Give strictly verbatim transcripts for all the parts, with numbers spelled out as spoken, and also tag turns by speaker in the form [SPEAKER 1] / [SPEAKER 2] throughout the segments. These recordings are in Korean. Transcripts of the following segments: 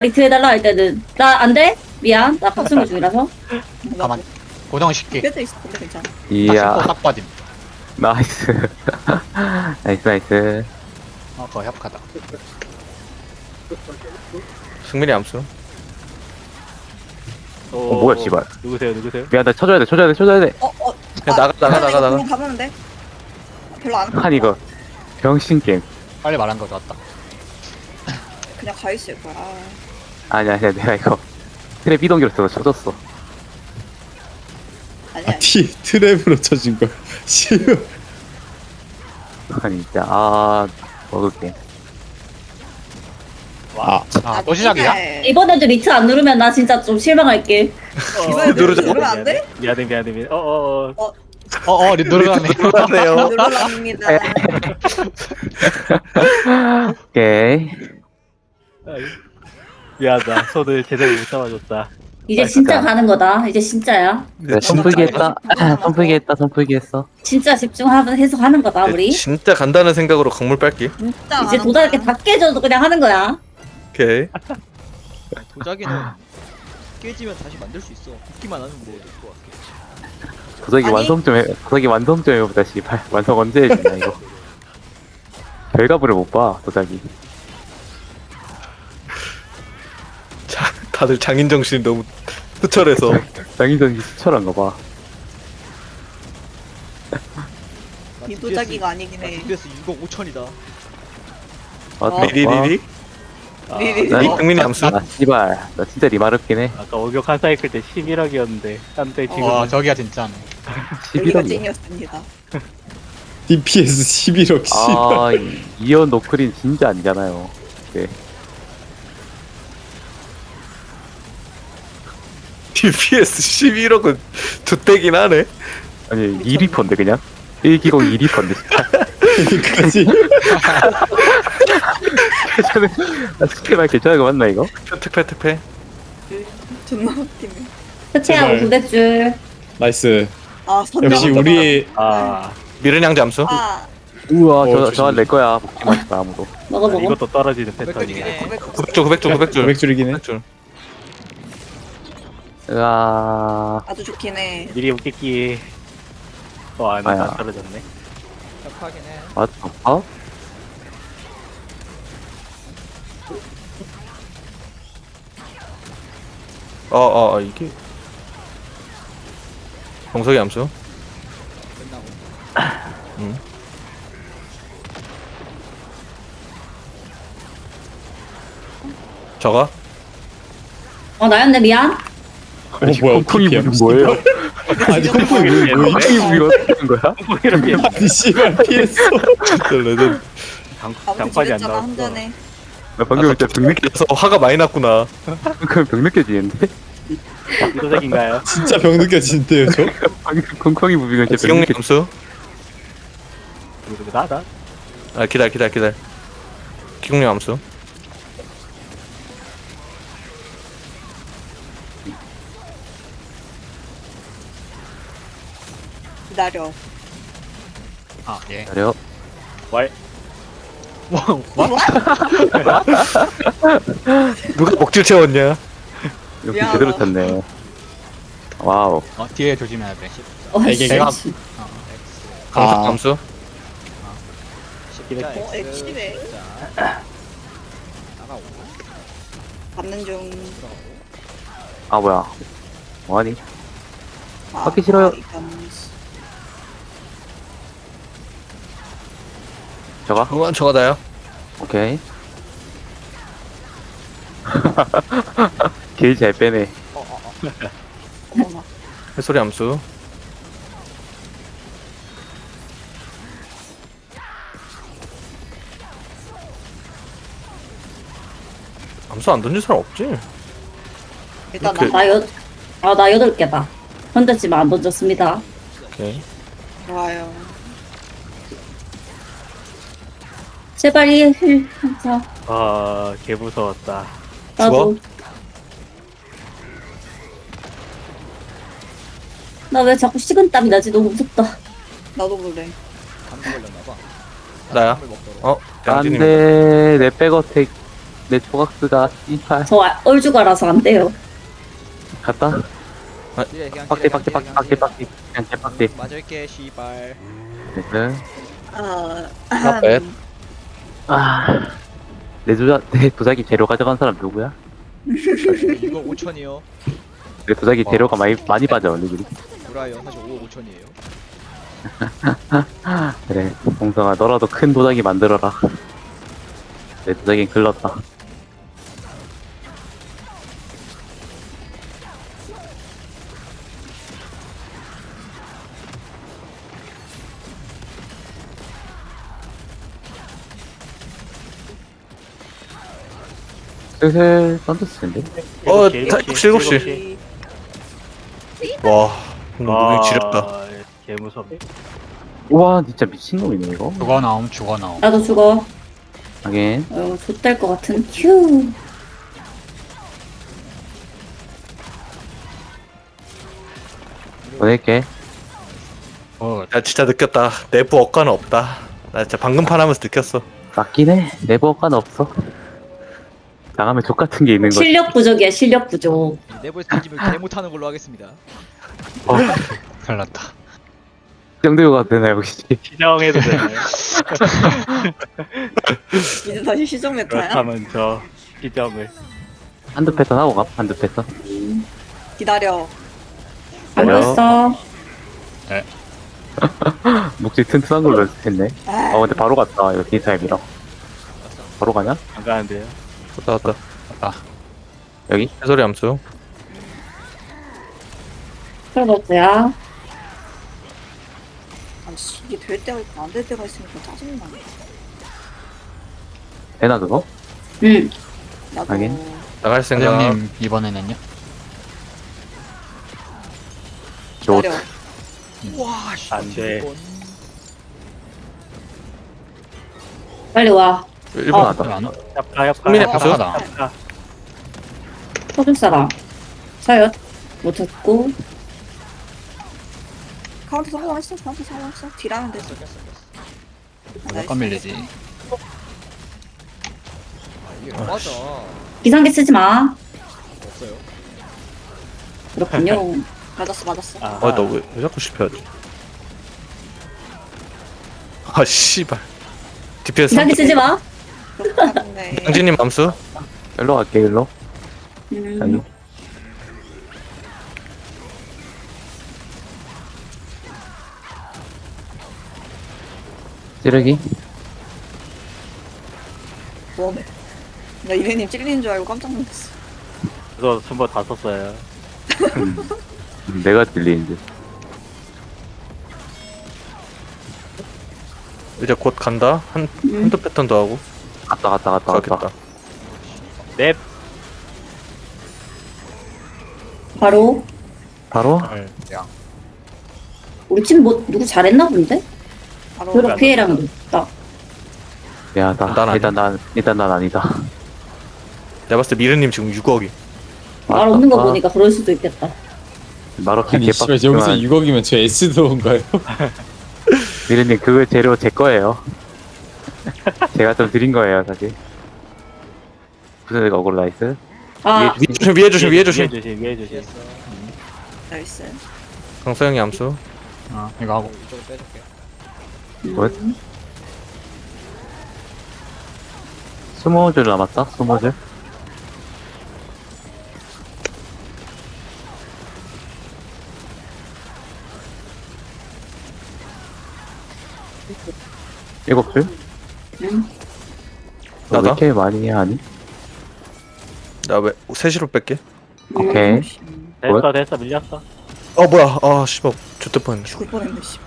[SPEAKER 1] 리트 해달라 할 때는 나 안 돼? 미안 나 박승우 중이라서
[SPEAKER 2] 가만 고정시키.
[SPEAKER 3] 뼈도 있을 텐데 괜찮아.
[SPEAKER 2] 딱
[SPEAKER 4] 이야
[SPEAKER 2] 신고 딱 빠짐.
[SPEAKER 4] 나이스 나이스 나이스.
[SPEAKER 2] 어 그거 협하다.
[SPEAKER 5] 승민이 암수.
[SPEAKER 4] 어 뭐야 씨발.
[SPEAKER 6] 누구세요? 누구세요?
[SPEAKER 4] 미안 나 쳐줘야 돼 쳐줘야 돼 쳐줘야 돼.
[SPEAKER 3] 어, 어.
[SPEAKER 5] 그냥 나가, 나가, 나가, 나가.
[SPEAKER 3] 그냥 가보면 돼. 별로 안
[SPEAKER 4] 한 이거 병신 게임.
[SPEAKER 2] 빨리 말한 거 좋았다.
[SPEAKER 3] 그냥 가 있을 거야.
[SPEAKER 4] 아니야 아니야 내가 이거 트랩 이동기로 써서 쳐줬어.
[SPEAKER 3] 아니야.
[SPEAKER 7] 아, 티, 트랩으로 쳐진 걸. 씨발.
[SPEAKER 4] 아니 진짜 아 먹을게.
[SPEAKER 7] 아,
[SPEAKER 2] 아 또 시작이야?
[SPEAKER 3] 이게-
[SPEAKER 1] 이번에도 리트 안 누르면 나 진짜 좀 실망할게.
[SPEAKER 3] 이번에
[SPEAKER 5] 누르자.
[SPEAKER 3] 누르면 안 돼?
[SPEAKER 6] 미안해 미안해 미안해. 어어어.
[SPEAKER 2] 어어 누르라네.
[SPEAKER 5] 놀라네요.
[SPEAKER 3] 누르랍니다.
[SPEAKER 4] 오케이.
[SPEAKER 6] 미안하다. 손을 제대로 못 잡아줬다.
[SPEAKER 1] 이제 진짜 가는 거다. 이제 진짜야.
[SPEAKER 4] 내가 선풀기 했다. 선풀기 했다 선풀기 했어.
[SPEAKER 1] 진짜 집중하면 해서 하는 거다 우리.
[SPEAKER 5] 진짜 간다는 생각으로 강물 빨기.
[SPEAKER 3] 진짜
[SPEAKER 1] 이제
[SPEAKER 3] 가는
[SPEAKER 1] 도다 이렇게
[SPEAKER 3] 거야.
[SPEAKER 1] 다 깨져도 그냥 하는 거야.
[SPEAKER 5] 오케이.
[SPEAKER 8] 도자기는 깨지면 다시 만들 수 있어. 굽기만 하면 뭐 될 것 같아.
[SPEAKER 4] 도자기
[SPEAKER 3] 아니.
[SPEAKER 4] 완성 좀 해. 도자기 완성 좀 해보자 씨발. 완성 언제 해주냐 이거. 결과물을 못 봐 도자기.
[SPEAKER 5] 자, 다들 장인 정신이 너무 투철해서.
[SPEAKER 4] 장인정이 수철한 거 봐.
[SPEAKER 3] 이 도자기가 아니긴 해.
[SPEAKER 8] 디피에스 육억 오천이다.
[SPEAKER 4] 맞다.
[SPEAKER 5] 리리리리.
[SPEAKER 6] 아,
[SPEAKER 3] 리리리.
[SPEAKER 4] 나-
[SPEAKER 5] 리 승민이 암수.
[SPEAKER 4] 아 씨발 나 진짜 리마르긴 해.
[SPEAKER 6] 아까 원격 한 사이클 때 십일억이었는데 한때 지금
[SPEAKER 2] 와 저기야 진짜네.
[SPEAKER 3] 여기가
[SPEAKER 4] 십일억이야.
[SPEAKER 3] 찐이었습니다.
[SPEAKER 7] 디피에스 십일억, 씨발.
[SPEAKER 4] 아 이- 이연 노크린 진짜 아니잖아요. 네.
[SPEAKER 5] 디피에스 십일억은 두떼긴 하네.
[SPEAKER 4] 아니 이 리퍼인데 그냥 일기공 이 리퍼인데 진짜.
[SPEAKER 7] 여기까지.
[SPEAKER 4] 괜찮은 아, 스킬만 괜찮은 거 맞나 이거?
[SPEAKER 5] 특패 특패.
[SPEAKER 3] 존나 웃기네.
[SPEAKER 1] 해체하고
[SPEAKER 7] 제발.
[SPEAKER 1] 구대줄.
[SPEAKER 7] 나이스.
[SPEAKER 3] 아, 선정.
[SPEAKER 7] 역시 우리의
[SPEAKER 6] 아
[SPEAKER 5] 미른 양자 암수.
[SPEAKER 3] 아,
[SPEAKER 4] 우와
[SPEAKER 7] 어,
[SPEAKER 4] 저
[SPEAKER 7] 조심해.
[SPEAKER 4] 저한 내 거야. 먹지 마시다 아무도.
[SPEAKER 1] 먹어 먹어.
[SPEAKER 6] 이것도 떨어지는
[SPEAKER 8] 고백거리긴
[SPEAKER 6] 패턴이네.
[SPEAKER 8] 해.
[SPEAKER 5] 구백 줄 구백 줄 구백 줄.
[SPEAKER 7] 고백 줄이긴 해.
[SPEAKER 5] 구백 줄.
[SPEAKER 4] 으아
[SPEAKER 3] 아주 좋긴 해.
[SPEAKER 6] 미리 웃기기. 어 아니
[SPEAKER 4] 아야.
[SPEAKER 6] 안 떨어졌네.
[SPEAKER 8] 착하긴 해.
[SPEAKER 4] 맞다. 어?
[SPEAKER 5] 어어 어, 이게. 정석이 암수.
[SPEAKER 8] 끝나고.
[SPEAKER 5] 응. 저가.
[SPEAKER 1] 어 나였네 미안.
[SPEAKER 7] 어, 뭐야,
[SPEAKER 4] 콩콩이
[SPEAKER 7] 티피엠.
[SPEAKER 4] 무슨 뭐예요?
[SPEAKER 7] 아니, 콩콩이 뭐, 뭐,
[SPEAKER 4] 콩콩이 무기가 어떻게 된 거야?
[SPEAKER 6] 이렇게
[SPEAKER 7] 아니, 씨발, 피했어.
[SPEAKER 5] 레전.
[SPEAKER 6] 장
[SPEAKER 3] 아무튼
[SPEAKER 6] 장판이 안
[SPEAKER 3] 지냈잖아, 한
[SPEAKER 6] 나왔어.
[SPEAKER 3] 잔에.
[SPEAKER 4] 나 방금 진짜 병 느껴
[SPEAKER 5] 그래서 화가 많이 났구나.
[SPEAKER 4] 방금 병 느껴지는데?
[SPEAKER 6] 이도색인가요?
[SPEAKER 7] 진짜 병 느껴지는데요, 저?
[SPEAKER 4] 방금 콩콩이 무비가 진짜 병
[SPEAKER 5] 기용님
[SPEAKER 4] 느껴.
[SPEAKER 5] 암수.
[SPEAKER 6] 누구 누구 나다?
[SPEAKER 5] 아 기다려 기다려 기다려. 기용님 암수.
[SPEAKER 3] 기다려.
[SPEAKER 2] 아 예.
[SPEAKER 4] 기다려.
[SPEAKER 6] 왈.
[SPEAKER 5] 누가 먹질 채웠냐?
[SPEAKER 4] 여기
[SPEAKER 3] 미안하다.
[SPEAKER 4] 제대로 쳤네. 와우.
[SPEAKER 2] 어 뒤에 조심해야 돼.
[SPEAKER 1] 어
[SPEAKER 7] 이게
[SPEAKER 1] 씨.
[SPEAKER 2] 내가-
[SPEAKER 1] 씨.
[SPEAKER 5] 강석
[SPEAKER 7] 아.
[SPEAKER 5] 암수.
[SPEAKER 6] 이렇게.
[SPEAKER 3] 어, 엑시네.
[SPEAKER 8] 나가고.
[SPEAKER 3] 받는 중.
[SPEAKER 4] 아 뭐야? 뭐하니?
[SPEAKER 3] 아,
[SPEAKER 4] 받기 싫어요.
[SPEAKER 3] 아, 이건-
[SPEAKER 4] 저가?
[SPEAKER 5] 그건 저가 다요.
[SPEAKER 4] 오케이. 길 잘 빼네.
[SPEAKER 3] 어머나.
[SPEAKER 5] 해소리 암수. 암수 안 던진 사람 없지?
[SPEAKER 3] 일단
[SPEAKER 5] 이렇게-
[SPEAKER 3] 나
[SPEAKER 1] 나 여, 아, 나 여덟 개다. 던졌지만 안 던졌습니다.
[SPEAKER 5] 오케이.
[SPEAKER 3] 좋아요.
[SPEAKER 1] 제발 이 힐, 항상.
[SPEAKER 6] 아 개무서웠다.
[SPEAKER 1] 나도. 나 왜 자꾸 식은땀이 나지? 너무 무섭다.
[SPEAKER 3] 나도 그래.
[SPEAKER 8] 감기 걸렸나봐.
[SPEAKER 5] 나야.
[SPEAKER 8] 먹도록.
[SPEAKER 5] 어? 양진님.
[SPEAKER 4] 안돼 내 백어택 내 조각스가 이팔
[SPEAKER 1] 저 아- 얼죽아라서 안 돼요.
[SPEAKER 4] 갔다.
[SPEAKER 8] 딜해 그냥
[SPEAKER 4] 빡대
[SPEAKER 8] 딜해,
[SPEAKER 4] 빡대
[SPEAKER 8] 그냥
[SPEAKER 4] 빡대
[SPEAKER 8] 딜해,
[SPEAKER 4] 빡대 빡대 그냥 개빡대.
[SPEAKER 8] 맞을게 씨발.
[SPEAKER 4] 네.
[SPEAKER 3] 아,
[SPEAKER 5] Not bad.
[SPEAKER 4] 아내 조작 내 도자기 재료 가져간 사람 누구야?
[SPEAKER 8] 이거 오천이요.
[SPEAKER 4] 내 도자기 재료가 많이 많이 빠져 언니들이.
[SPEAKER 8] 브라이언 사실 오억 오천이에요.
[SPEAKER 4] 그래 봉성아 너라도 큰 도자기 만들어라. 내 도자기는 글렀다. 슬슬 던졌을 텐데.
[SPEAKER 5] 어,
[SPEAKER 6] 일곱 시,
[SPEAKER 5] 다-
[SPEAKER 6] 일곱 시,
[SPEAKER 5] 일곱 시.
[SPEAKER 6] 일곱 시.
[SPEAKER 5] 와, 오늘
[SPEAKER 6] 아,
[SPEAKER 5] 무빙 지렸다.
[SPEAKER 6] 개 무섭네.
[SPEAKER 4] 우와 진짜 미친놈이네 이거.
[SPEAKER 2] 죽어 나옴 죽어 나옴.
[SPEAKER 1] 나도 죽어.
[SPEAKER 4] 하긴
[SPEAKER 1] 어, 좆될 것 같은 휴.
[SPEAKER 4] 보낼게.
[SPEAKER 2] 어
[SPEAKER 5] 나 진짜 느꼈다. 내부 억가는 없다. 나 진짜 방금 판하면서 느꼈어.
[SPEAKER 4] 맞긴 해. 내부 효과는 없어. 나가면 족 같은 게 있는 거지.
[SPEAKER 1] 실력 부족이야 실력 부족.
[SPEAKER 8] 내부에서 던지면 개 못하는 걸로 하겠습니다.
[SPEAKER 4] 어,
[SPEAKER 2] 큰일 났다.
[SPEAKER 4] 정도가 되나 역시.
[SPEAKER 6] 시정해도 되나요?
[SPEAKER 3] 이제 다시 시정 메타야?
[SPEAKER 6] 그렇다면 저 시정을.
[SPEAKER 4] 한두 패턴 하고 가. 한두 패턴.
[SPEAKER 3] 기다려.
[SPEAKER 1] 안
[SPEAKER 4] 그래요?
[SPEAKER 1] 됐어.
[SPEAKER 4] 묵지 튼튼한 걸로 했네.
[SPEAKER 3] 아,
[SPEAKER 4] 어 근데 바로 갔다. 이거 디타임이라. 바로 가냐?
[SPEAKER 6] 안 가는데요.
[SPEAKER 5] 왔다, 왔다.
[SPEAKER 4] 여기?
[SPEAKER 5] 해소리 암수.
[SPEAKER 1] 그래도야.
[SPEAKER 3] 아니, 씨, 이게 될 때가 있고 안 될 때가 있으니까 짜증나.
[SPEAKER 4] 되나 그거?
[SPEAKER 1] 응.
[SPEAKER 3] 나도
[SPEAKER 4] 하긴.
[SPEAKER 5] 나갈 생각.
[SPEAKER 2] 사장님 이번에는요?
[SPEAKER 4] 좋.
[SPEAKER 3] 기다려.
[SPEAKER 8] 와, 씨.
[SPEAKER 6] 안 돼.
[SPEAKER 8] 이번.
[SPEAKER 1] 빨리 와.
[SPEAKER 5] 일 번
[SPEAKER 1] 어.
[SPEAKER 5] 하다.
[SPEAKER 2] 안 와?
[SPEAKER 6] 협가 협가.
[SPEAKER 5] 국민의
[SPEAKER 6] 협가,
[SPEAKER 5] 박수.
[SPEAKER 2] 하다.
[SPEAKER 6] 협가.
[SPEAKER 1] 터줄 사람. 사연 못했고.
[SPEAKER 3] 카운트 성공했어. 카운트 성공했어. 딜하면 됐어. 아,
[SPEAKER 2] 몇 건 밀리지?
[SPEAKER 8] 아, 이게 맞아.
[SPEAKER 1] 기상기 쓰지 마.
[SPEAKER 8] 없어요.
[SPEAKER 1] 그렇군요.
[SPEAKER 3] 맞았어, 맞았어.
[SPEAKER 6] 아,
[SPEAKER 5] 아, 너 왜, 왜 자꾸 실패하지? 아, 씨발. 디피에스.
[SPEAKER 1] 기상기 쓰지 마.
[SPEAKER 3] 그렇긴 한데.
[SPEAKER 5] 강진님 암수.
[SPEAKER 4] 일로 갈게 일로. 여기.
[SPEAKER 1] 음.
[SPEAKER 4] 찌르기.
[SPEAKER 3] 뭐네. 나 이래님 찔리는 줄 알고 깜짝 놀랐어.
[SPEAKER 6] 그래서 순번 다 썼어요.
[SPEAKER 4] 음, 내가 들리는데.
[SPEAKER 5] 이제 곧 간다. 한,
[SPEAKER 1] 음.
[SPEAKER 5] 한두 패턴 더 하고.
[SPEAKER 4] 갔다 갔다 갔다 갔다.
[SPEAKER 5] 가겠다.
[SPEAKER 6] 넵.
[SPEAKER 1] 바로
[SPEAKER 4] 바로
[SPEAKER 5] 네.
[SPEAKER 1] 우리 팀 뭐 누구 잘했나 본데?
[SPEAKER 3] 바로
[SPEAKER 1] 그렇 피해량 높다.
[SPEAKER 4] 미안하다.
[SPEAKER 5] 난 아니야.
[SPEAKER 4] 일단 난 일단 난 아니다.
[SPEAKER 5] 내가 봤을 때 미르님 지금 육억이.
[SPEAKER 1] 말 없는 거
[SPEAKER 4] 아,
[SPEAKER 1] 보니까 그럴 수도 있겠다.
[SPEAKER 4] 말없이
[SPEAKER 7] 아니 씨발 여기서
[SPEAKER 4] 개빡지만
[SPEAKER 7] 육억이면 저 S 들어온가요?
[SPEAKER 4] 미르님 그 재료 제 거예요. 제가 좀 드린 거예요 사실. 무슨 애가 억울 나이스.
[SPEAKER 1] 아,
[SPEAKER 5] 위에 조심, 위에 조심, 위에 조심.
[SPEAKER 6] 위에 조심. 위에 조심.
[SPEAKER 8] 피했어.
[SPEAKER 3] 나이스.
[SPEAKER 5] 강서영이 암수.
[SPEAKER 2] 어 이거 하고
[SPEAKER 8] 이쪽으로 빼줄게.
[SPEAKER 4] 뭐? 스무 줄 남았다. 스무 줄. 일곱 줄?
[SPEAKER 1] 응.
[SPEAKER 4] 너 왜
[SPEAKER 5] 나다?
[SPEAKER 4] 이렇게 많이 하니?
[SPEAKER 5] 나 왜, 셋시로 뺄게.
[SPEAKER 4] 오케이.
[SPEAKER 1] 음.
[SPEAKER 6] 됐어 됐어 밀렸어.
[SPEAKER 5] 어, 뭐야. 아, 씨발. 좋대 뻔했네.
[SPEAKER 3] 죽을 뻔했네, 씨.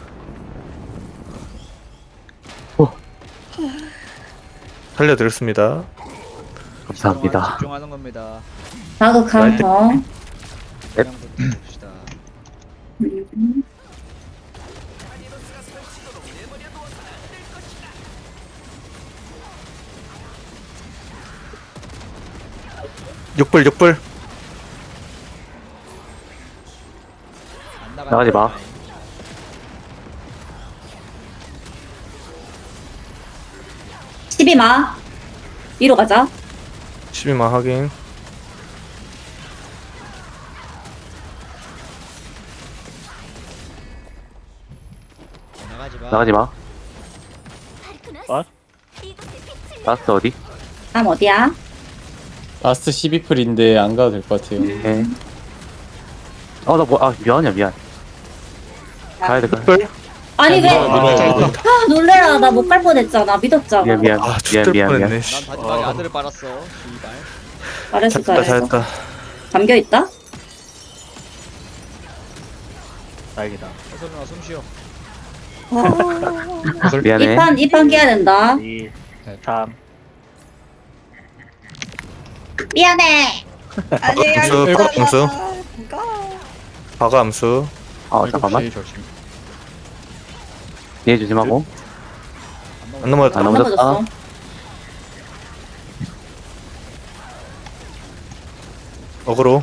[SPEAKER 5] 살려드렸습니다.
[SPEAKER 4] 감사합니다.
[SPEAKER 8] 집중하는 겁니다.
[SPEAKER 1] 자극한 거.
[SPEAKER 8] 그냥 좀 봅시다.
[SPEAKER 1] 음.
[SPEAKER 5] 육불, 육불.
[SPEAKER 8] 안 나가는
[SPEAKER 4] 나가지 마.
[SPEAKER 8] 거야.
[SPEAKER 1] 십이 마. 위로 가자.
[SPEAKER 5] 십이만 확인.
[SPEAKER 8] 나가지 마.
[SPEAKER 4] 나가지 마.
[SPEAKER 6] 어?
[SPEAKER 4] 라스트 어디?
[SPEAKER 1] 다음 어디야?
[SPEAKER 7] 라스트 십이 풀인데 안 가도 될 것 같아요.
[SPEAKER 4] 네. 어나 뭐 아 미안해 미안. 가야 될 거야.
[SPEAKER 5] 뿔?
[SPEAKER 1] 아니 왜?
[SPEAKER 7] 밀어요, 밀어요.
[SPEAKER 1] 아 놀래라. 나 못 갈 뻔했잖아. 믿었잖아.
[SPEAKER 4] 미안 미안
[SPEAKER 5] 아,
[SPEAKER 4] 미안
[SPEAKER 5] 죽을
[SPEAKER 4] 미안 미안.
[SPEAKER 5] 뻔했네.
[SPEAKER 8] 난
[SPEAKER 5] 씨.
[SPEAKER 8] 마지막에
[SPEAKER 5] 아,
[SPEAKER 8] 아들을 빨았어. 씨발.
[SPEAKER 1] 잘했어
[SPEAKER 5] 잘했다,
[SPEAKER 1] 잘했어.
[SPEAKER 5] 잘했다.
[SPEAKER 1] 잠겨 있다?
[SPEAKER 6] 다행이다.
[SPEAKER 8] 해설 누나 숨 쉬어.
[SPEAKER 3] 어,
[SPEAKER 4] 미안해.
[SPEAKER 1] 이판 이판 깨야 된다.
[SPEAKER 6] 이,
[SPEAKER 2] 네.
[SPEAKER 6] 삼.
[SPEAKER 1] 미안해.
[SPEAKER 3] 아니
[SPEAKER 5] 암수,
[SPEAKER 3] 아니
[SPEAKER 5] 일곱 암수.
[SPEAKER 3] 이거
[SPEAKER 5] 바가 암수.
[SPEAKER 4] 어 잠깐만.
[SPEAKER 2] 일곱 시 조심.
[SPEAKER 4] 뒤에 조심하고.
[SPEAKER 5] 안 넘어졌다.
[SPEAKER 4] 안
[SPEAKER 1] 안
[SPEAKER 4] 넘어졌다.
[SPEAKER 1] 넘어졌어.
[SPEAKER 5] 어그로.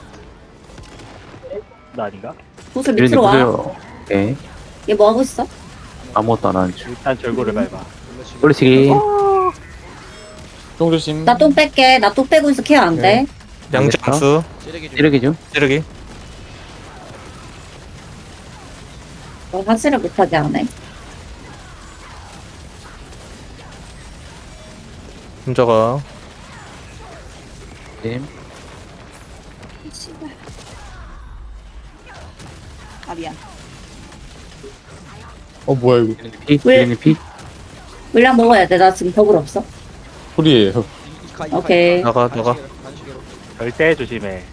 [SPEAKER 6] 나 아닌가?
[SPEAKER 1] 구슬
[SPEAKER 4] 미련님
[SPEAKER 1] 밑으로 와.
[SPEAKER 4] 보세요. 오케이.
[SPEAKER 1] 얘 뭐 하고 있어?
[SPEAKER 4] 아무것도 안 하는 중.
[SPEAKER 6] 일단 절고를 밟아.
[SPEAKER 4] 올리치기.
[SPEAKER 7] 똥 조심.
[SPEAKER 1] 나 똥 뺄게. 나 똥 빼고 있어. 케어 안 돼.
[SPEAKER 5] 양지
[SPEAKER 4] 알겠어.
[SPEAKER 5] 암수.
[SPEAKER 8] 찌르기 좀.
[SPEAKER 4] 찌르기 중.
[SPEAKER 5] 찌르기.
[SPEAKER 1] 너 확실히 못하게 하네.
[SPEAKER 5] 혼자가.
[SPEAKER 4] 님.
[SPEAKER 3] 씨발. 아 미안.
[SPEAKER 7] 어 뭐야 이거.
[SPEAKER 4] 피.
[SPEAKER 1] 왜?
[SPEAKER 4] 미련님 피.
[SPEAKER 1] 물량 먹어야 돼. 나 지금 더블 없어.
[SPEAKER 7] 풀이에요.
[SPEAKER 8] 이- 이카, 이카,
[SPEAKER 1] 오케이.
[SPEAKER 8] 이카.
[SPEAKER 5] 나가, 나가.
[SPEAKER 8] 간식으로, 간식으로.
[SPEAKER 6] 절대 조심해.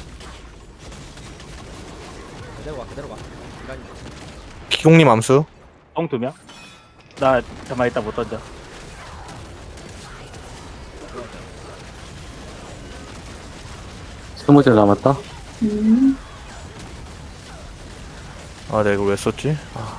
[SPEAKER 8] 그대로 가 그대로 가. 인간이.
[SPEAKER 5] 기공님 암수.
[SPEAKER 6] 똥 두 명? 나 잠깐 이따 못 던져.
[SPEAKER 4] 스무 줄 남았다.
[SPEAKER 1] 음.
[SPEAKER 5] 아, 내가 이걸 왜 썼지? 아,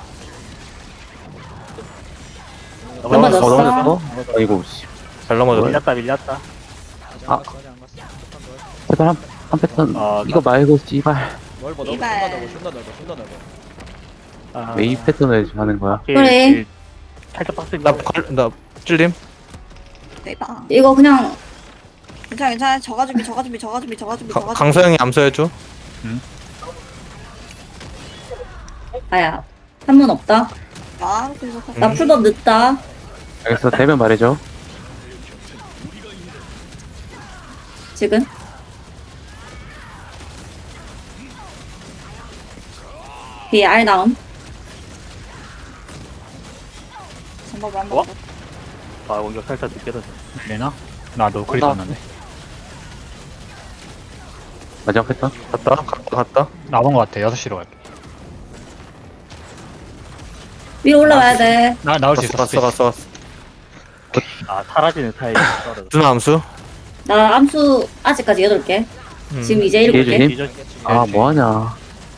[SPEAKER 1] 넘어졌어.
[SPEAKER 4] 어, 넘어졌어. 아이고 씨.
[SPEAKER 5] 잘 넘어졌네.
[SPEAKER 6] 밀렸다 밀렸다.
[SPEAKER 8] 아직
[SPEAKER 4] 아.
[SPEAKER 8] 안 갔어 아직 안 갔어. 패턴 넓어.
[SPEAKER 4] 패턴 한, 한 패턴.
[SPEAKER 6] 아,
[SPEAKER 4] 이거 말고 씨발.
[SPEAKER 8] 넓어 넓어.
[SPEAKER 3] 이발.
[SPEAKER 8] 존나 넓어 존나 넓어 존나 넓어.
[SPEAKER 6] 아,
[SPEAKER 4] 왜 이 패턴을 하는 거야?
[SPEAKER 6] 일,
[SPEAKER 1] 그래.
[SPEAKER 6] 일. 살짝 빡세.
[SPEAKER 5] 나, 걸, 나, 찔림?
[SPEAKER 3] 대박.
[SPEAKER 1] 이거 그냥
[SPEAKER 3] 괜찮아 괜찮아. 저가 준비 저가 준비 저가 준비 저가 준비
[SPEAKER 5] 가,
[SPEAKER 3] 저가 준비.
[SPEAKER 5] 강서영이 암수해줘.
[SPEAKER 1] 아야. 한문 없다.
[SPEAKER 3] 아 그래서
[SPEAKER 1] 나
[SPEAKER 5] 음.
[SPEAKER 1] 풀법 늦다.
[SPEAKER 4] 알겠어. 되면 말해줘.
[SPEAKER 1] 지금. 뒤에 알 나옴.
[SPEAKER 3] 방법을 한
[SPEAKER 6] 어?
[SPEAKER 3] 번.
[SPEAKER 6] 아 원격 살짝 늦게 던져.
[SPEAKER 2] 밀리나? 나도 크리
[SPEAKER 4] 나-
[SPEAKER 2] 떴는데.
[SPEAKER 4] 마지막 패턴.
[SPEAKER 5] 갔다, 갔다, 갔다.
[SPEAKER 2] 나온 것 같아. 여섯 시로 갈게.
[SPEAKER 1] 위로 올라와야 돼.
[SPEAKER 2] 나 나올 수
[SPEAKER 5] 갔어,
[SPEAKER 2] 있어.
[SPEAKER 5] 갔어, 갔어, 갔어.
[SPEAKER 6] 아 사라지는 타입이 떨어져.
[SPEAKER 5] 누나 암수.
[SPEAKER 1] 나 암수 아직까지 여덟 개.
[SPEAKER 5] 음.
[SPEAKER 1] 지금 이제 일곱 개.
[SPEAKER 4] 예준님?
[SPEAKER 6] 뒤져
[SPEAKER 4] 아 뭐하냐.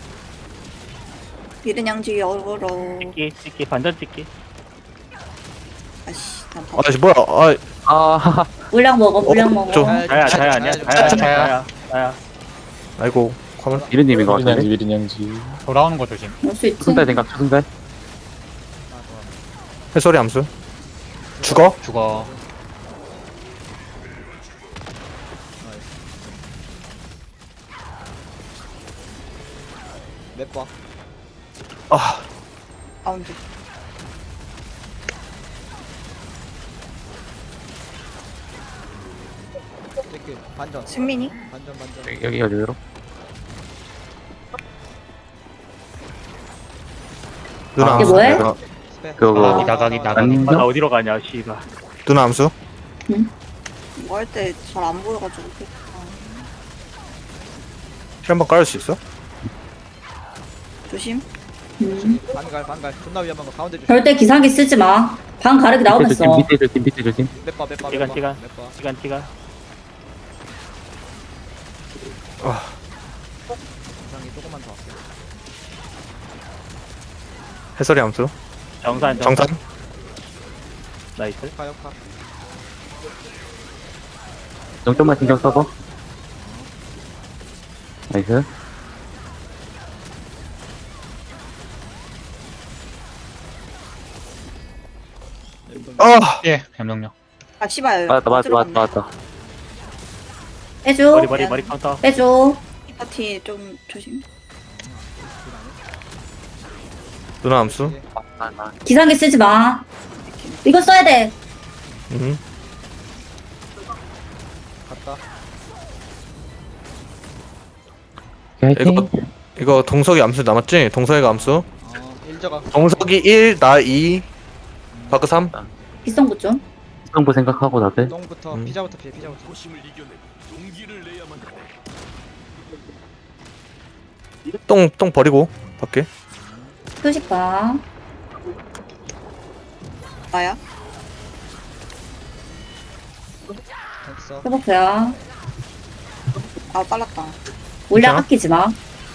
[SPEAKER 3] 미른 양지 역으로.
[SPEAKER 6] 찍기 찍기 반전 찍기.
[SPEAKER 3] 아씨 난
[SPEAKER 5] 아, 씨, 뭐야. 아,
[SPEAKER 4] 아
[SPEAKER 1] 물량 먹어. 물량 먹어.
[SPEAKER 5] 좀-
[SPEAKER 6] 자야 자야 아니야. 자야
[SPEAKER 2] 자야.
[SPEAKER 6] 자야 자야.
[SPEAKER 5] 아이고. 가만.
[SPEAKER 4] 미르님인 것
[SPEAKER 7] 미린 양지
[SPEAKER 4] 같은데.
[SPEAKER 7] 미린 양지.
[SPEAKER 2] 돌아오는 거 조심.
[SPEAKER 1] 올 수 있지.
[SPEAKER 4] 초승달 생각 초승달.
[SPEAKER 5] 해설이 암수. 죽어?
[SPEAKER 2] 죽어.
[SPEAKER 8] 몇 번?
[SPEAKER 5] 아,
[SPEAKER 3] 가운데.
[SPEAKER 8] 체크 반전
[SPEAKER 3] 승민이?
[SPEAKER 8] 반전 반전.
[SPEAKER 4] 여기 어디로?
[SPEAKER 5] 누나
[SPEAKER 4] 아,
[SPEAKER 1] 이게
[SPEAKER 5] 암수.
[SPEAKER 1] 뭐해?
[SPEAKER 5] 누나,
[SPEAKER 8] 스페.
[SPEAKER 4] 그거
[SPEAKER 2] 나가기 나가기 나가기.
[SPEAKER 4] 아니.
[SPEAKER 6] 아, 나 어디로 가냐 씨발.
[SPEAKER 5] 누나 암수.
[SPEAKER 3] 이거 할 때 잘 안 보여가지고. 아,
[SPEAKER 5] 힐 한번 깔을 수 있어?
[SPEAKER 3] 조심.
[SPEAKER 1] 음.
[SPEAKER 8] 반갈 반갈. 존나 위험한 거 가운데 주.
[SPEAKER 1] 절대 기상기 쓰지 마. 방 가르기
[SPEAKER 4] 밑에
[SPEAKER 1] 나오면서.
[SPEAKER 4] 조심 밑에 조심 밑에 조심.
[SPEAKER 8] 몇번 몇번
[SPEAKER 6] 시간,
[SPEAKER 8] 몇번
[SPEAKER 6] 시간.
[SPEAKER 8] 몇번.
[SPEAKER 6] 시간 시간.
[SPEAKER 8] 이상이 조금만 더.
[SPEAKER 5] 해설이 암수.
[SPEAKER 6] 정산
[SPEAKER 5] 정산.
[SPEAKER 6] 정산. 나이스.
[SPEAKER 8] 역파 역파.
[SPEAKER 4] 좀 좀만 신경 써봐. 나이스.
[SPEAKER 5] 아,
[SPEAKER 2] 예. 염동력.
[SPEAKER 3] 아 씨발.
[SPEAKER 4] 맞다 맞다
[SPEAKER 3] 어디로
[SPEAKER 4] 맞다
[SPEAKER 3] 갔네.
[SPEAKER 4] 맞다.
[SPEAKER 1] 빼줘.
[SPEAKER 6] 머리 머리 머리 카운터.
[SPEAKER 1] 빼줘.
[SPEAKER 3] 이 파티 좀 조심.
[SPEAKER 5] 누나 암수.
[SPEAKER 1] 기상기 쓰지 마. 이거 써야 돼.
[SPEAKER 5] 음.
[SPEAKER 8] 갔다.
[SPEAKER 4] 화이팅.
[SPEAKER 5] 이거 이거 동석이 암수 남았지? 동석이가 암수.
[SPEAKER 8] 어 일저가.
[SPEAKER 5] 동석이 일, 나 이, 바크 삼.
[SPEAKER 1] 기성부 좀.
[SPEAKER 4] 성부 생각하고 다들.
[SPEAKER 8] 똥부터
[SPEAKER 5] 음.
[SPEAKER 8] 피자부터 피해 피자부터.
[SPEAKER 5] 똥, 똥 버리고 밖에.
[SPEAKER 1] 표식 봐.
[SPEAKER 3] 나야?
[SPEAKER 8] 됐어.
[SPEAKER 1] 회복해야.
[SPEAKER 3] 아 빨랐다.
[SPEAKER 1] 올려
[SPEAKER 5] 괜찮아?
[SPEAKER 1] 아끼지 마.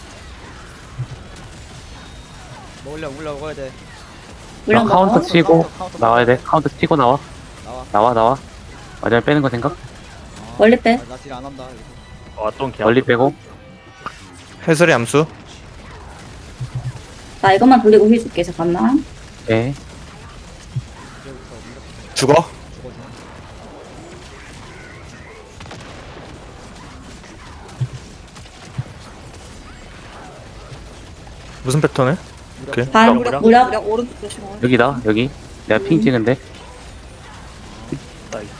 [SPEAKER 8] 먹으려 먹으려 먹어야 돼.
[SPEAKER 1] 올려
[SPEAKER 4] 나 카운터
[SPEAKER 1] 먹어.
[SPEAKER 4] 치고
[SPEAKER 8] 카운터, 카운터
[SPEAKER 4] 나와야 돼. 카운터 치고 나와.
[SPEAKER 8] 나와.
[SPEAKER 4] 나와 나와. 마지막에 빼는 거 생각?
[SPEAKER 8] 어.
[SPEAKER 1] 멀리 빼.
[SPEAKER 8] 아, 나딜 안 한다. 이거.
[SPEAKER 6] 어떤 개.
[SPEAKER 4] 멀리 빼고.
[SPEAKER 5] 해설이 암수.
[SPEAKER 1] 나 이것만 돌리고 힐 줄게. 잠깐만.
[SPEAKER 4] 네.
[SPEAKER 8] 이제부터 이렇게
[SPEAKER 5] 죽어.
[SPEAKER 8] 죽어줘.
[SPEAKER 5] 무슨 패턴에? 오케이.
[SPEAKER 1] 반
[SPEAKER 6] 무력,
[SPEAKER 1] 무력.
[SPEAKER 3] 무력 오른쪽 조심하고.
[SPEAKER 4] 여기다 여기. 내가 핑 찍은데.
[SPEAKER 6] 나이스.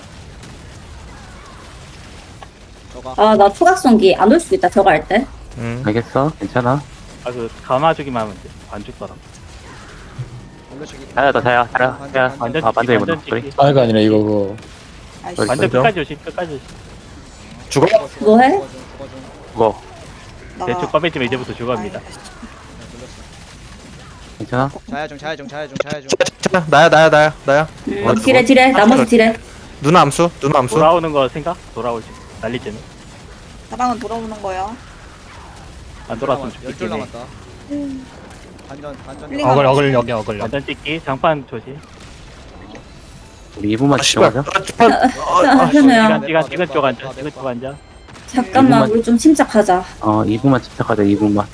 [SPEAKER 8] 저가.
[SPEAKER 1] 아, 나 초각성기 안 올 수도 있다. 저거 할 때.
[SPEAKER 5] 음.
[SPEAKER 4] 알겠어. 괜찮아.
[SPEAKER 6] 아그 감아주기만 하면 돼. 안 죽더라.
[SPEAKER 8] 올려주기.
[SPEAKER 4] 자야 다 자야 자야
[SPEAKER 8] 반전,
[SPEAKER 4] 자야.
[SPEAKER 8] 반전.
[SPEAKER 6] 완전
[SPEAKER 4] 아 반대
[SPEAKER 6] 완전
[SPEAKER 4] 이거 소리.
[SPEAKER 6] 찍기.
[SPEAKER 7] 아이가 아니라 이거 그거.
[SPEAKER 3] 아이씨.
[SPEAKER 4] 저기
[SPEAKER 6] 완전
[SPEAKER 5] 반전.
[SPEAKER 6] 끝까지 조심. 끝까지 조심.
[SPEAKER 5] 죽어.
[SPEAKER 1] 뭐 해?
[SPEAKER 8] 죽어줘 죽어줘.
[SPEAKER 4] 그거
[SPEAKER 3] 나가.
[SPEAKER 6] 대충 꺼매지면 이제부터 죽어갑니다.
[SPEAKER 3] 아이씨.
[SPEAKER 8] 네, 눌렀어.
[SPEAKER 4] 괜찮아?
[SPEAKER 8] 자야중 자야중 자야중 자야중.
[SPEAKER 5] 자, 나야 나야 나야 나야.
[SPEAKER 1] 음,
[SPEAKER 5] 맞아.
[SPEAKER 1] 딜해 딜해. 나머지 딜해.
[SPEAKER 5] 누나 암수. 누나 암수.
[SPEAKER 6] 돌아오는 거 생각? 돌아올 때 날릴 때는
[SPEAKER 3] 나방은 돌아오는 거야.
[SPEAKER 6] 안 돌아왔으면
[SPEAKER 8] 열줄
[SPEAKER 6] 죽겠네.
[SPEAKER 8] 남았다. 반전 반전.
[SPEAKER 3] 힐링
[SPEAKER 2] 어글 어글 여기 어글 여기.
[SPEAKER 6] 완전 찍기. 장판 조심.
[SPEAKER 4] 우리 이 분만
[SPEAKER 5] 아, 씨발.
[SPEAKER 4] 집중하자.
[SPEAKER 5] 아, 주판. 아, 아,
[SPEAKER 1] 현우야.
[SPEAKER 6] 시간 시간 지금 쪽 앉아. 지금 쪽 앉아.
[SPEAKER 1] 잠깐만. 우리 좀 침착하자.
[SPEAKER 4] 어 이 분만 집착하자. 이 분만.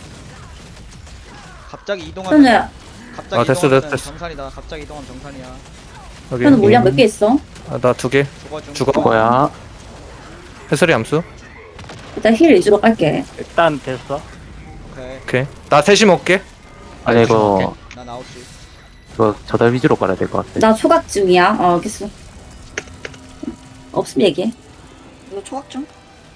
[SPEAKER 8] 갑자기 이동하면.
[SPEAKER 1] 현우야.
[SPEAKER 8] 갑자기
[SPEAKER 5] 아, 됐어,
[SPEAKER 8] 이동하면
[SPEAKER 5] 됐어, 됐어.
[SPEAKER 8] 정산이다. 갑자기 이동하면 정산이야.
[SPEAKER 5] 여기.
[SPEAKER 1] 현우 물량 몇 개 있어?
[SPEAKER 5] 아, 나 두 개.
[SPEAKER 8] 죽어중.
[SPEAKER 5] 죽어.
[SPEAKER 4] 그거야.
[SPEAKER 5] 해설이 암수.
[SPEAKER 1] 일단 힐 위주로 깔게.
[SPEAKER 6] 일단 됐어.
[SPEAKER 8] 오케이.
[SPEAKER 5] 오케이. 나 셋이 먹게.
[SPEAKER 4] 아니 이거
[SPEAKER 8] 난 아홉 시.
[SPEAKER 4] 이거 저달 위주로 깔아야 될 것 같아.
[SPEAKER 1] 나 초각 중이야. 어, 알겠어. 없으면 얘기해.
[SPEAKER 3] 이거 초각 좀.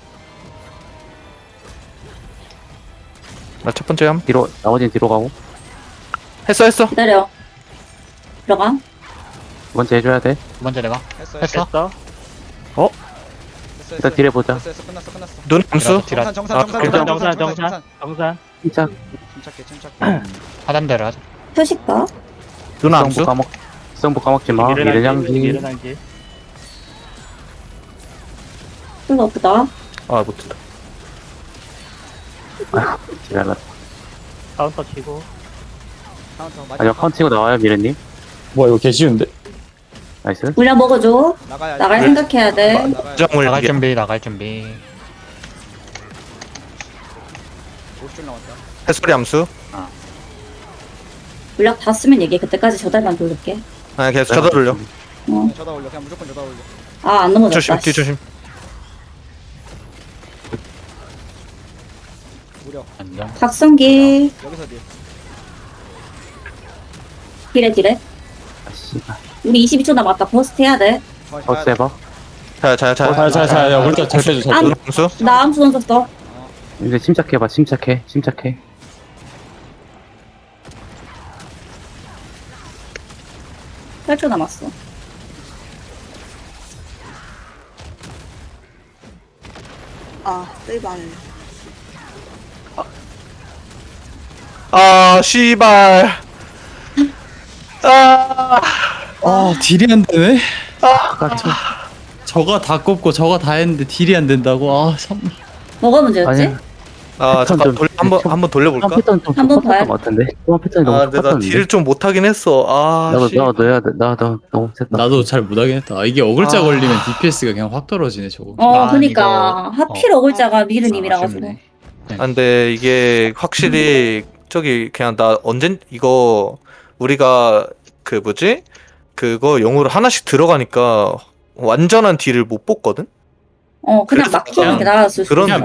[SPEAKER 5] 나 첫 번째 함.
[SPEAKER 4] 뒤로 나머지는 뒤로 가고.
[SPEAKER 5] 했어 했어.
[SPEAKER 1] 기다려. 들어가.
[SPEAKER 4] 두 번째 해줘야 돼.
[SPEAKER 2] 두 번째 내가
[SPEAKER 8] 했어 했어.
[SPEAKER 2] 했어?
[SPEAKER 6] 됐어.
[SPEAKER 8] 했어
[SPEAKER 4] 일단
[SPEAKER 8] 했어.
[SPEAKER 4] 딜해 보자.
[SPEAKER 8] 했어 했어. 끝났어 끝났어.
[SPEAKER 5] 누나 암수.
[SPEAKER 2] 딜하-
[SPEAKER 8] 정산 정산
[SPEAKER 5] 아,
[SPEAKER 8] 정산
[SPEAKER 6] 정산
[SPEAKER 8] 정산
[SPEAKER 6] 정산
[SPEAKER 8] 정산
[SPEAKER 6] 정산 정산.
[SPEAKER 4] 침착.
[SPEAKER 8] 침착해 침착해.
[SPEAKER 2] 하단대로 하자.
[SPEAKER 1] 표식 봐.
[SPEAKER 5] 누나
[SPEAKER 4] 성부
[SPEAKER 5] 암수.
[SPEAKER 4] 까먹. 성부 까먹지 마.
[SPEAKER 6] 미래낭지.
[SPEAKER 4] 미래냥지.
[SPEAKER 6] 미래낭지.
[SPEAKER 1] 별로 없다.
[SPEAKER 5] 아 못했다.
[SPEAKER 4] 지랄났다.
[SPEAKER 6] 카운터 치고.
[SPEAKER 8] 카운터
[SPEAKER 4] 아니요
[SPEAKER 8] 마지막
[SPEAKER 4] 카운트 치고 나와요 미래님.
[SPEAKER 7] 뭐야 이거 개 쉬운데?
[SPEAKER 4] 나이스.
[SPEAKER 1] 물량 먹어줘.
[SPEAKER 8] 나가야
[SPEAKER 1] 나갈
[SPEAKER 5] 네.
[SPEAKER 1] 생각해야 돼.
[SPEAKER 8] 나가야
[SPEAKER 5] 정을
[SPEAKER 2] 나갈
[SPEAKER 5] 이게.
[SPEAKER 2] 준비 나갈 준비.
[SPEAKER 8] 오십 줄 남았다.
[SPEAKER 5] 해설이 암수.
[SPEAKER 1] 물량 다 쓰면 얘기해. 그때까지 저달만 돌릴게.
[SPEAKER 5] 아 계속 쳐다 돌려.
[SPEAKER 1] 어.
[SPEAKER 8] 그냥 저다 올려. 그냥 무조건 저다 올려.
[SPEAKER 1] 아, 안 넘어졌다.
[SPEAKER 5] 조심 뒤 조심.
[SPEAKER 8] 무려.
[SPEAKER 2] 안정.
[SPEAKER 1] 각성기.
[SPEAKER 8] 여기서 딜.
[SPEAKER 1] 딜해, 딜해.
[SPEAKER 4] 아 씨발.
[SPEAKER 1] 우리 이십이 초 남았다. 버스트 해야 돼.
[SPEAKER 8] 거의
[SPEAKER 4] 더
[SPEAKER 8] 가야 돼.
[SPEAKER 4] 세봐.
[SPEAKER 5] 자야 자야 자야.
[SPEAKER 7] 자자자 야 우리 잘 빼줘 잘
[SPEAKER 1] 안-
[SPEAKER 7] 빼줘.
[SPEAKER 5] 누나 암수.
[SPEAKER 1] 나 암수 던졌어.
[SPEAKER 4] 이제 침착해봐. 침착해. 침착해.
[SPEAKER 1] 팔 초 남았어.
[SPEAKER 3] 아 세이발.
[SPEAKER 5] 아 씨발. 아.
[SPEAKER 7] 아 딜이 안 되네. 아 저, 저가 다 꼽고 저가 다 했는데 딜이 안 된다고. 아 참.
[SPEAKER 1] 뭐가 문제였지?
[SPEAKER 4] 아니.
[SPEAKER 5] 아 잠깐
[SPEAKER 4] 좀-
[SPEAKER 5] 돌 한번 한번 돌려볼까?
[SPEAKER 4] 한 패턴 좀
[SPEAKER 1] 한번
[SPEAKER 4] 똑같았던
[SPEAKER 1] 봐요.
[SPEAKER 4] 것 같은데. 한 패턴이 너무
[SPEAKER 5] 아 근데 나
[SPEAKER 4] 똑같았는데.
[SPEAKER 5] 딜을 좀 못하긴 했어. 아
[SPEAKER 4] 나도
[SPEAKER 5] 씨.
[SPEAKER 4] 나도 해야 돼. 나도 너무 셌다.
[SPEAKER 7] 나도 잘 못하긴 했다. 아, 이게 어글자
[SPEAKER 5] 아.
[SPEAKER 7] 걸리면 디피에스가 그냥 확 떨어지네 저거.
[SPEAKER 1] 어,
[SPEAKER 2] 아,
[SPEAKER 1] 그니까.
[SPEAKER 2] 이거-
[SPEAKER 1] 하필 어글자가 미르님이라 가지고.
[SPEAKER 2] 아쉽네.
[SPEAKER 5] 아, 근데 이게 확실히 저기 그냥 나 언젠 이거 우리가 그 뭐지? 그거 영어로 하나씩 들어가니까 완전한 딜을 못 뽑거든?
[SPEAKER 1] 어 그냥
[SPEAKER 5] 그래서
[SPEAKER 1] 막히는
[SPEAKER 5] 그냥
[SPEAKER 1] 게 나았을 수도
[SPEAKER 5] 그런
[SPEAKER 1] 있어.